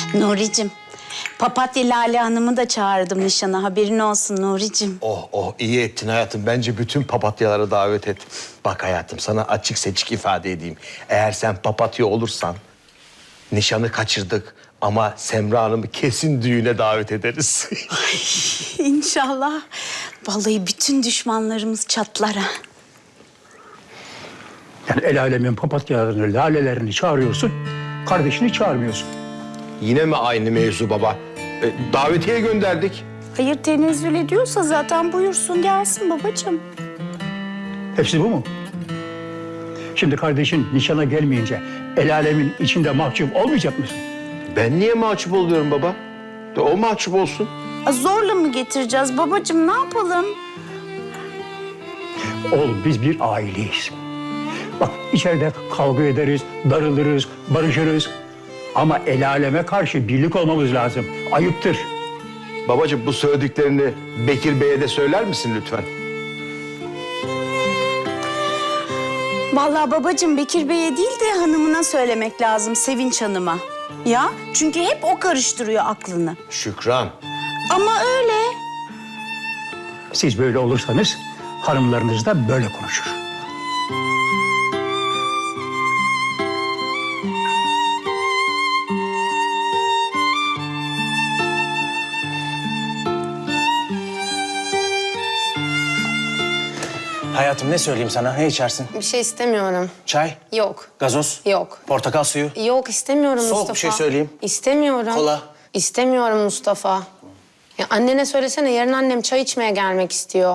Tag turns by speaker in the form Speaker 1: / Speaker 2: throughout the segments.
Speaker 1: Nuri'cim, Papatya Lale Hanım'ı da çağırdım nişana. Haberin olsun Nuri'cim.
Speaker 2: Oh iyi ettin hayatım. Bence bütün papatyalara davet et. Bak hayatım sana açık seçik ifade edeyim. Eğer sen papatya olursan nişanı kaçırdık ama Semra Hanım'ı kesin düğüne davet ederiz.
Speaker 1: İnşallah. Vallahi bütün düşmanlarımız çatlar ha.
Speaker 3: Yani el alemin papatyalarını, lalelerini çağırıyorsun, kardeşini çağırmıyorsun.
Speaker 2: Yine mi aynı mevzu baba? Davetiye gönderdik.
Speaker 1: Hayır tenezzül ediyorsa zaten buyursun gelsin babacığım.
Speaker 3: Hepsi bu mu? Şimdi kardeşin nişana gelmeyince el alemin içinde mahcup olmayacak mısın?
Speaker 2: Ben niye mahcup oluyorum baba? O mahcup olsun.
Speaker 1: Zorla mı getireceğiz babacığım ne yapalım?
Speaker 3: Oğlum biz bir aileyiz. Bak içeride kavga ederiz, darılırız, barışırız. Ama el aleme karşı birlik olmamız lazım. Ayıptır.
Speaker 2: Babacığım bu söylediklerini Bekir Bey'e de söyler misin lütfen?
Speaker 1: Vallahi babacığım Bekir Bey'e değil de hanımına söylemek lazım, Sevinç Hanım'a. Ya çünkü hep o karıştırıyor aklını.
Speaker 2: Şükran.
Speaker 1: Ama öyle.
Speaker 3: Siz böyle olursanız hanımlarınız da böyle konuşur.
Speaker 4: Hayatım ne söyleyeyim sana? Ne içersin?
Speaker 5: Bir şey istemiyorum.
Speaker 4: Çay,
Speaker 5: Yok.
Speaker 4: gazoz,
Speaker 5: Yok.
Speaker 4: portakal suyu.
Speaker 5: Yok istemiyorum
Speaker 4: Soğuk
Speaker 5: Mustafa.
Speaker 4: bir şey söyleyeyim.
Speaker 5: İstemiyorum.
Speaker 4: Kola.
Speaker 5: İstemiyorum Mustafa. Ya annene söylesene yarın annem çay içmeye gelmek istiyor.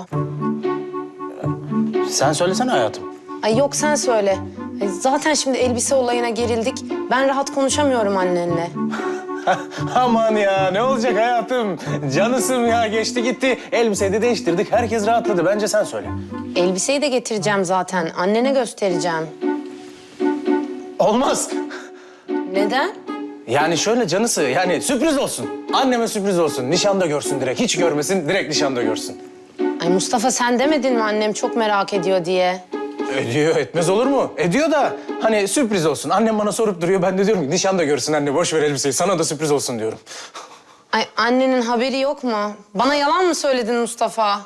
Speaker 4: Sen söylesene hayatım.
Speaker 5: Ay yok sen söyle. Ay, zaten şimdi elbise olayına gerildik. Ben rahat konuşamıyorum annenle.
Speaker 4: Aman ya ne olacak hayatım? Canısım ya geçti gitti. Elbiseyi de değiştirdik. Herkes rahatladı. Bence sen söyle.
Speaker 5: Elbiseyi de getireceğim zaten. Annene göstereceğim.
Speaker 4: Olmaz.
Speaker 5: Neden?
Speaker 4: Yani şöyle canısı yani sürpriz olsun. Anneme sürpriz olsun. Nişanda görsün direkt. Hiç görmesin direkt nişanda görsün.
Speaker 5: Ay Mustafa sen demedin mi annem çok merak ediyor diye?
Speaker 4: Ediyor etmez olur mu? Ediyor da hani sürpriz olsun. Annem bana sorup duruyor. Ben de diyorum ki nişanda görsün anne boş ver elbiseyi. Sana da sürpriz olsun diyorum.
Speaker 5: Ay annenin haberi yok mu? Bana yalan mı söyledin Mustafa?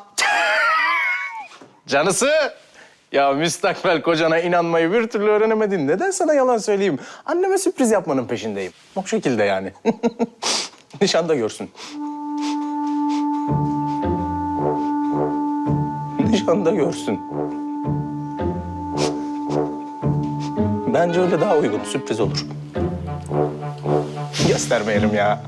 Speaker 4: Canısı! Ya müstakbel kocana inanmayı bir türlü öğrenemedin. Neden sana yalan söyleyeyim? Anneme sürpriz yapmanın peşindeyim. O şekilde yani. Nişanda görsün. Nişanda görsün. Bence öyle daha uygun. Sürpriz olur. Göstermeyelim ya.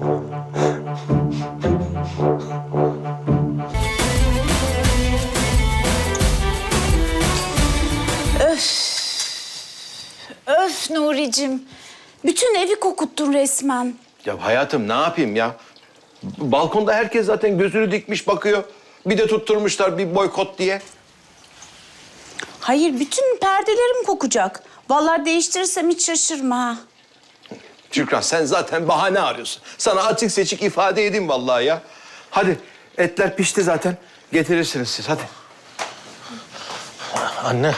Speaker 1: Öf Nuri'cim. Bütün evi kokuttun resmen.
Speaker 2: Ya hayatım ne yapayım ya? Balkonda herkes zaten gözünü dikmiş bakıyor. Bir de tutturmuşlar bir boykot diye.
Speaker 1: Hayır bütün perdelerim kokacak. Vallahi değiştirirsem hiç şaşırma ha.
Speaker 2: Şükran sen zaten bahane arıyorsun. Sana açık seçik ifade edeyim vallahi ya. Hadi etler pişti zaten. Getirirsiniz siz hadi.
Speaker 4: Anne.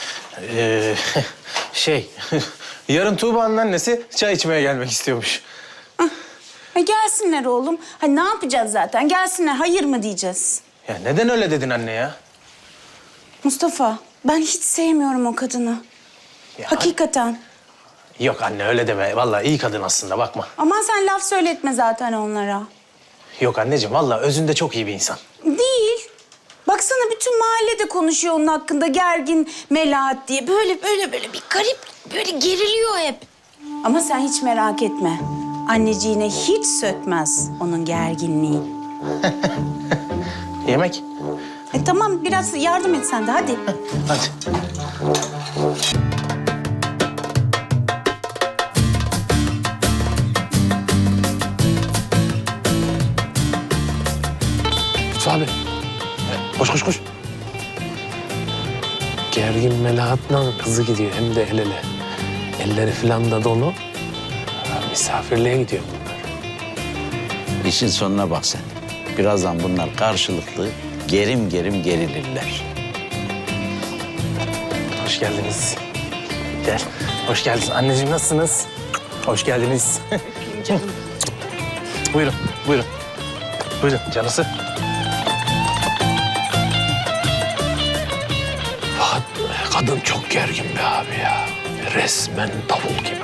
Speaker 4: Şey, yarın Tuğba'nın annesi çay içmeye gelmek istiyormuş.
Speaker 1: Gelsinler oğlum. Ha ne yapacağız zaten? Gelsinler. Hayır mı diyeceğiz?
Speaker 4: Ya neden öyle dedin anne ya?
Speaker 1: Mustafa, ben hiç sevmiyorum o kadını.
Speaker 4: Ya
Speaker 1: Hakikaten.
Speaker 4: Yok anne öyle deme. Vallahi iyi kadın aslında bakma.
Speaker 1: Aman sen laf söyletme zaten onlara.
Speaker 4: Yok anneciğim vallahi özünde çok iyi bir insan.
Speaker 1: Değil. Baksana bütün mahallede konuşuyor onun hakkında gergin Melahat diye. Böyle bir garip, böyle geriliyor hep. Ama sen hiç merak etme. Anneciğine hiç sökmez onun gerginliği.
Speaker 4: Yemek?
Speaker 1: Tamam biraz yardım et sen de hadi.
Speaker 4: Hadi. Lütfü abi. Koş koş koş.
Speaker 6: Gergin Melahat'la kızı gidiyor hem de el ele. Elleri falan da dolu. Misafirliğe gidiyor bunlar.
Speaker 7: İşin sonuna bak sen. Birazdan bunlar karşılıklı gerim gerim gerilirler.
Speaker 4: Hoş geldiniz. Gel. Hoş geldiniz. Anneciğim nasılsınız? Hoş geldiniz. Buyurun, buyurun. Buyurun canısı.
Speaker 6: Kadın çok gergin be abi ya. Resmen davul gibi.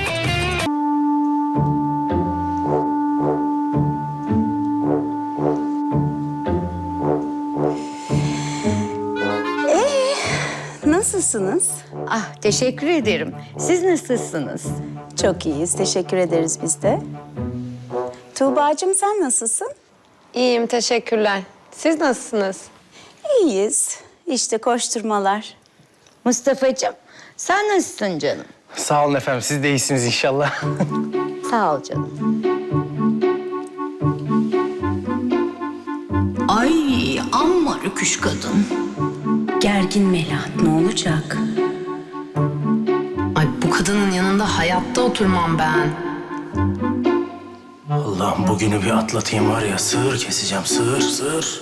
Speaker 1: Nasılsınız?
Speaker 8: Ah, teşekkür ederim. Siz nasılsınız?
Speaker 1: Çok iyiyiz. Teşekkür ederiz biz de. Tuğba'cığım sen nasılsın?
Speaker 5: İyiyim, teşekkürler. Siz nasılsınız?
Speaker 1: İyiyiz. İşte koşturmalar.
Speaker 8: Mustafa'cığım, sen nasılsın canım?
Speaker 4: Sağ olun efendim, siz de iyisiniz inşallah.
Speaker 8: Sağ ol canım. Ay, amma rüküş kadın.
Speaker 1: Gergin Melahat ne olacak?
Speaker 5: Ay bu kadının yanında hayatta oturmam ben.
Speaker 4: Allah'ım bugünü bir atlatayım var ya, sığır keseceğim, sığır, sığır.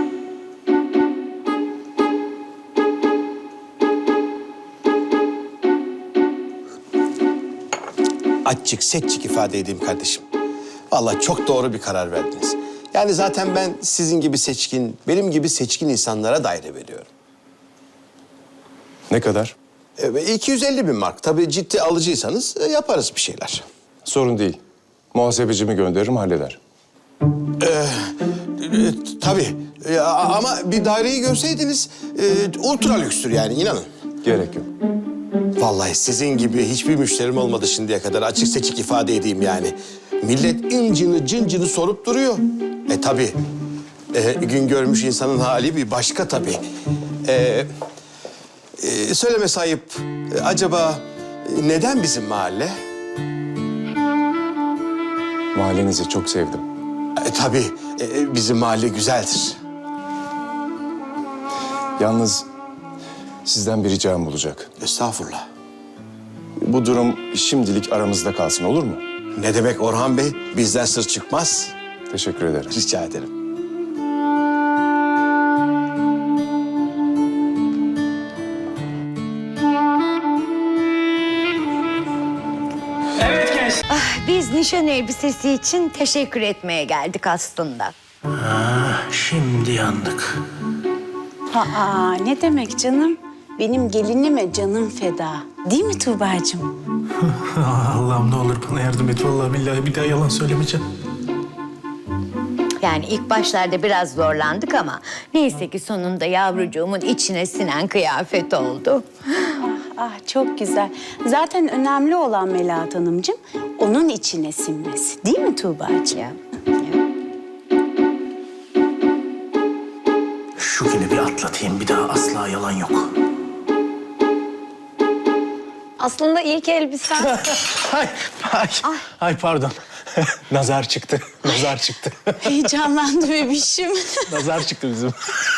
Speaker 2: Açık seçik ifade edeyim kardeşim. Vallahi çok doğru bir karar verdiniz. Yani zaten ben sizin gibi seçkin, benim gibi seçkin insanlara daire veriyorum.
Speaker 9: Ne kadar?
Speaker 2: 250 bin mark. Tabii ciddi alıcıysanız yaparız bir şeyler.
Speaker 9: Sorun değil. Muhasebecimi gönderirim, halleder.
Speaker 2: Tabii. Ama bir daireyi görseydiniz ultra lükstür yani inanın.
Speaker 9: Gerek yok.
Speaker 2: Vallahi sizin gibi hiçbir müşterim olmadı şimdiye kadar. Açık seçik ifade edeyim yani. Millet incini cıncını sorup duruyor. Tabii. Gün görmüş insanın hali bir başka tabii. Söyleme sayıp acaba neden bizim mahalle?
Speaker 9: Mahallenizi çok sevdim.
Speaker 2: Tabii bizim mahalle güzeldir.
Speaker 9: Yalnız sizden bir ricam olacak.
Speaker 2: Estağfurullah.
Speaker 9: Bu durum şimdilik aramızda kalsın, olur mu?
Speaker 2: Ne demek Orhan Bey? Bizden sır çıkmaz.
Speaker 9: Teşekkür ederim.
Speaker 2: Rica ederim.
Speaker 8: Biz nişan elbisesi için teşekkür etmeye geldik aslında.
Speaker 4: Şimdi yandık.
Speaker 1: Aa, ne demek canım? Benim gelinime canım feda. Değil mi Tuğba'cığım?
Speaker 4: Allah'ım ne olur bana yardım et. Vallahi billahi bir daha yalan söylemeyeceğim.
Speaker 8: Yani ilk başlarda biraz zorlandık ama neyse ki sonunda yavrucuğumun içine sinen kıyafet oldu.
Speaker 1: Ah çok güzel. Zaten önemli olan Melahat Hanımcığım onun içine sinmesi. Değil mi Tuğba'cığım?
Speaker 8: Ya.
Speaker 4: Şu günü bir atlatayım, bir daha asla yalan yok.
Speaker 5: Aslında ilk elbisem...
Speaker 4: Ay pardon. Nazar çıktı, nazar çıktı.
Speaker 1: Heyecanlandı bebişim.
Speaker 4: Nazar çıktı bizim.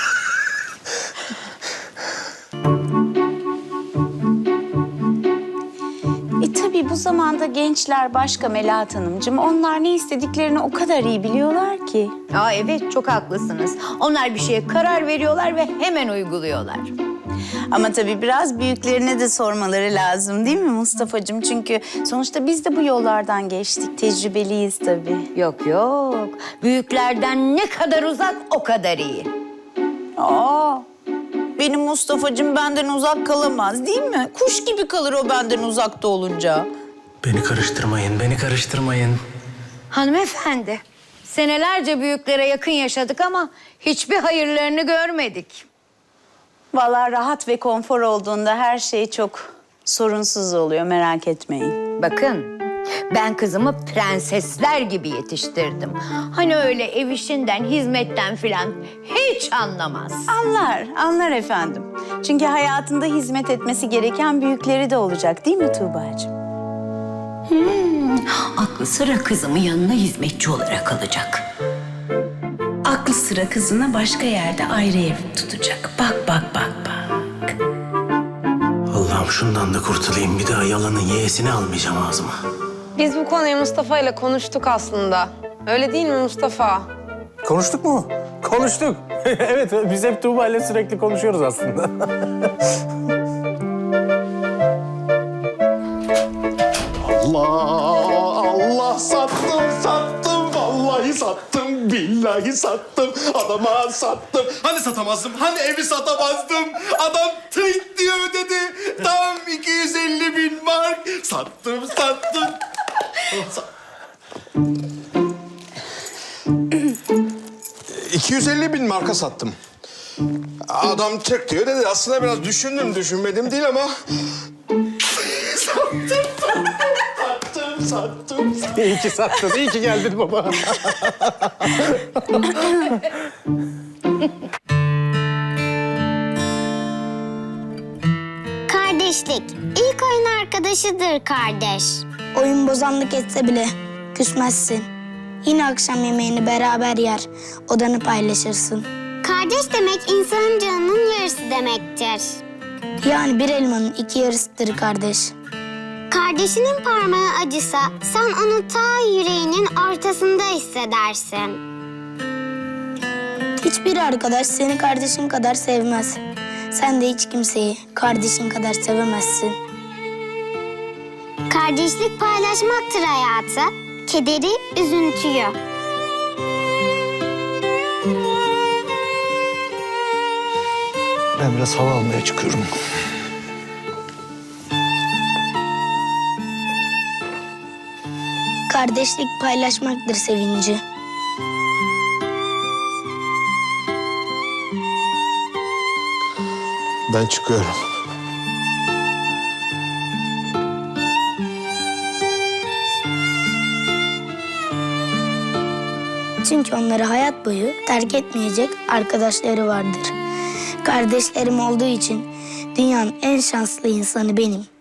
Speaker 1: Tabii bu zamanda gençler başka Melahat Hanımcığım. Onlar ne istediklerini o kadar iyi biliyorlar ki.
Speaker 8: Aa, evet, çok haklısınız. Onlar bir şeye karar veriyorlar ve hemen uyguluyorlar.
Speaker 1: Ama tabii biraz büyüklerine de sormaları lazım değil mi Mustafa'cığım? Çünkü sonuçta biz de bu yollardan geçtik. Tecrübeliyiz tabii.
Speaker 8: Yok yok. Büyüklerden ne kadar uzak o kadar iyi.
Speaker 1: Aa, benim Mustafa'cığım benden uzak kalamaz değil mi? Kuş gibi kalır o benden uzakta olunca.
Speaker 4: Beni karıştırmayın, beni karıştırmayın.
Speaker 8: Hanımefendi, senelerce büyüklere yakın yaşadık ama hiçbir hayırlarını görmedik.
Speaker 1: Vallahi rahat ve konfor olduğunda her şey çok sorunsuz oluyor merak etmeyin.
Speaker 8: Bakın, ben kızımı prensesler gibi yetiştirdim. Hani öyle ev işinden, hizmetten filan hiç anlamaz.
Speaker 1: Anlar efendim. Çünkü hayatında hizmet etmesi gereken büyükleri de olacak değil mi Tuğba'cığım?
Speaker 8: Aklı sıra kızımın yanına hizmetçi olarak alacak.
Speaker 1: Aklı sıra kızına başka yerde ayrı ev tutacak. Bak.
Speaker 4: Allah'ım şundan da kurtulayım. Bir daha yalanın yeğesini almayacağım ağzıma.
Speaker 5: Biz bu konuyu Mustafa ile konuştuk aslında. Öyle değil mi Mustafa?
Speaker 4: Konuştuk mu? Konuştuk. Evet, biz hep Tuğba ile sürekli konuşuyoruz aslında.
Speaker 2: Allah sattım billahi sattım. Adama sattım. Hani satamazdım? Hani evi satamazdım? Adam tık diye ödedi. Tam 250.000 mark. Sattım. 250.000 marka sattım. Adam tık diyor dedi. Aslında biraz düşündüm, düşünmedim değil ama... sattım.
Speaker 4: İyi ki sattın, iyi ki geldin baba.
Speaker 10: Kardeşlik. İlk oyun arkadaşıdır kardeş.
Speaker 11: Oyun bozanlık etse bile küsmezsin. Yine akşam yemeğini beraber yer, odanı paylaşırsın.
Speaker 10: Kardeş demek insanın canının yarısı demektir.
Speaker 11: Yani bir elmanın iki yarısıdır kardeş.
Speaker 10: Kardeşinin parmağı acısa sen onu ta yüreğinin ortasında hissedersin.
Speaker 11: Hiçbir arkadaş seni kardeşin kadar sevmez. Sen de hiç kimseyi kardeşin kadar sevemezsin.
Speaker 10: Kardeşlik paylaşmaktır hayatı, kederi, üzüntüyü.
Speaker 2: Ben biraz hava almaya çıkıyorum.
Speaker 11: Kardeşlik paylaşmaktır sevinci.
Speaker 2: Ben çıkıyorum.
Speaker 11: Çünkü onları hayat boyu terk etmeyecek arkadaşları vardır. Kardeşlerim olduğu için dünyanın en şanslı insanı benim.